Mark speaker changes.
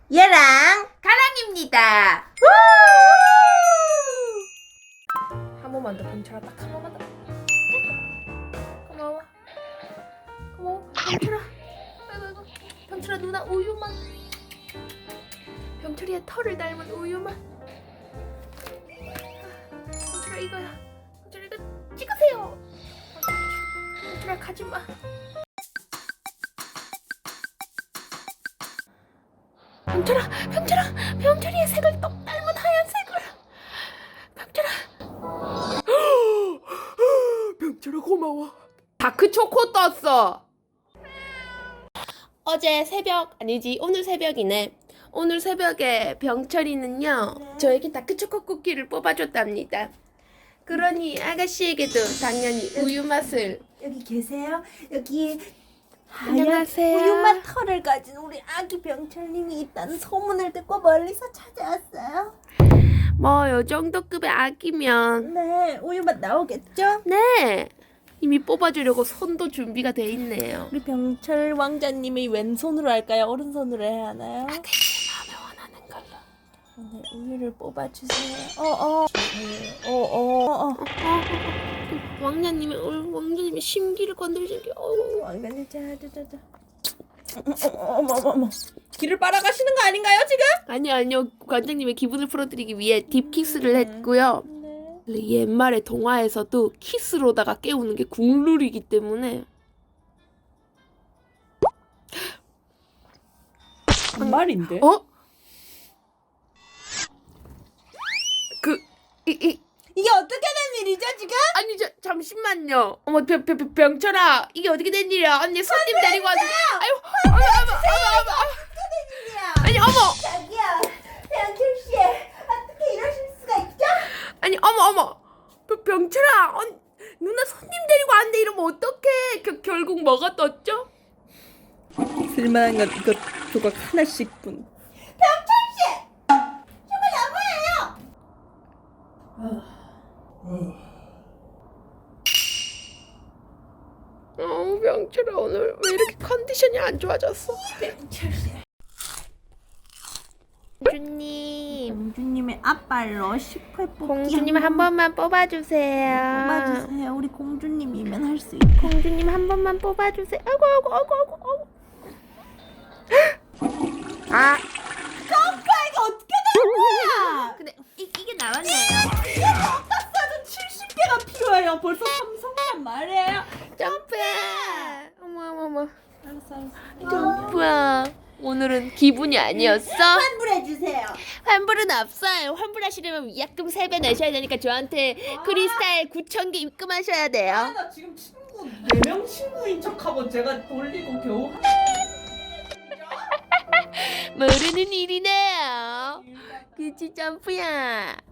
Speaker 1: 얘랑
Speaker 2: 가랑입니다. 한 번만 더 병철아, 딱 한 번만 더. 고마워. 고마워 병철아. 아이고 병철아, 누나 우유만. 병철이의 털을 닮은 우유만. 병철아 이거야. 병철아 이거 찍으세요. 병철아 가지마. 병철이의 색을 똑 닮은 하얀색을. 병철아 고마워. 다크 초코 떴어. 어제 새벽 아니지, 오늘 새벽이네. 오늘 새벽에 병철이는요, 저에게 다크 초코 쿠키를 뽑아줬답니다. 그러니 아가씨에게도 당연히 우유 맛을.
Speaker 1: 여기 계세요? 여기
Speaker 2: 안녕하세요.
Speaker 1: 우유맛 털을 가진 우리 아기 병철님이 있다는 소문을 듣고 멀리서 찾아왔어요.
Speaker 2: 뭐 요 정도 급의 아기면
Speaker 1: 네, 우유맛 나오겠죠?
Speaker 2: 네, 이미 뽑아주려고 손도 준비가 돼 있네요.
Speaker 1: 우리 병철 왕자님이 왼손으로 할까요? 오른손으로 해야 하나요?
Speaker 2: 마음에 원하는 걸로.
Speaker 1: 네, 우유를 뽑아주세요.
Speaker 2: 왕자님의 심기를 건드리는 게.
Speaker 1: 왕자님, 자. 어머. 길을 빨아가시는 거 아닌가요, 지금?
Speaker 2: 아니요. 관장님의 기분을 풀어드리기 위해 딥키스를 했고요.
Speaker 1: 네.
Speaker 2: 옛말의 동화에서도 키스로다가 깨우는 게 국룰이기 때문에.
Speaker 1: 정말인데?
Speaker 2: 어?
Speaker 1: 이게 어떻게 된 일이죠, 지금?
Speaker 2: 아니 잠시만요. 어머 병철아, 이게 어떻게 된 일이야? 언니 손님 데리고 왔는데. 아유 어머. 아니 어머.
Speaker 1: 자기야, 병철씨, 어떻게 이러실 수가 있죠?
Speaker 2: 아니 어머. 병철아, 누나 손님 데리고 왔는데 이러면 어떡해? 결국 뭐가 떴죠?
Speaker 1: 쓸만한 건 이것 조각 하나씩뿐. 병철씨! 정말 너무해요!
Speaker 2: 병철아, 오늘 왜 이렇게 컨디션이 안 좋아졌어?
Speaker 1: 병철씨.
Speaker 2: 공주님,
Speaker 1: 공주님의 앞발로 10회 뽑기
Speaker 2: 공주님 한 번만 뽑아주세요.
Speaker 1: 뽑아주세요. 우리 공주님이면 할 수 있고.
Speaker 2: 공주님 한 번만 뽑아주세요. 아이고. 아,
Speaker 1: 이거 어떻게 된 거야?
Speaker 2: 근데 이게 나왔네요.
Speaker 1: 이게 어떻어도 70개가 필요해요. 벌써 삼성만 말이에요.
Speaker 2: 점프해. 어머.
Speaker 1: 알았어.
Speaker 2: 점프야. 오늘은 기분이 아니었어?
Speaker 1: 환불해주세요.
Speaker 2: 환불은 없어요. 환불하시려면 위약금 3배 내셔야 되니까 저한테 크리스탈 9,000개 입금하셔야 돼요.
Speaker 3: 나 지금 친구 4명 친구인 척하고 제가 돌리고 겨우
Speaker 2: 모르는 일이네요. 그치 점프야.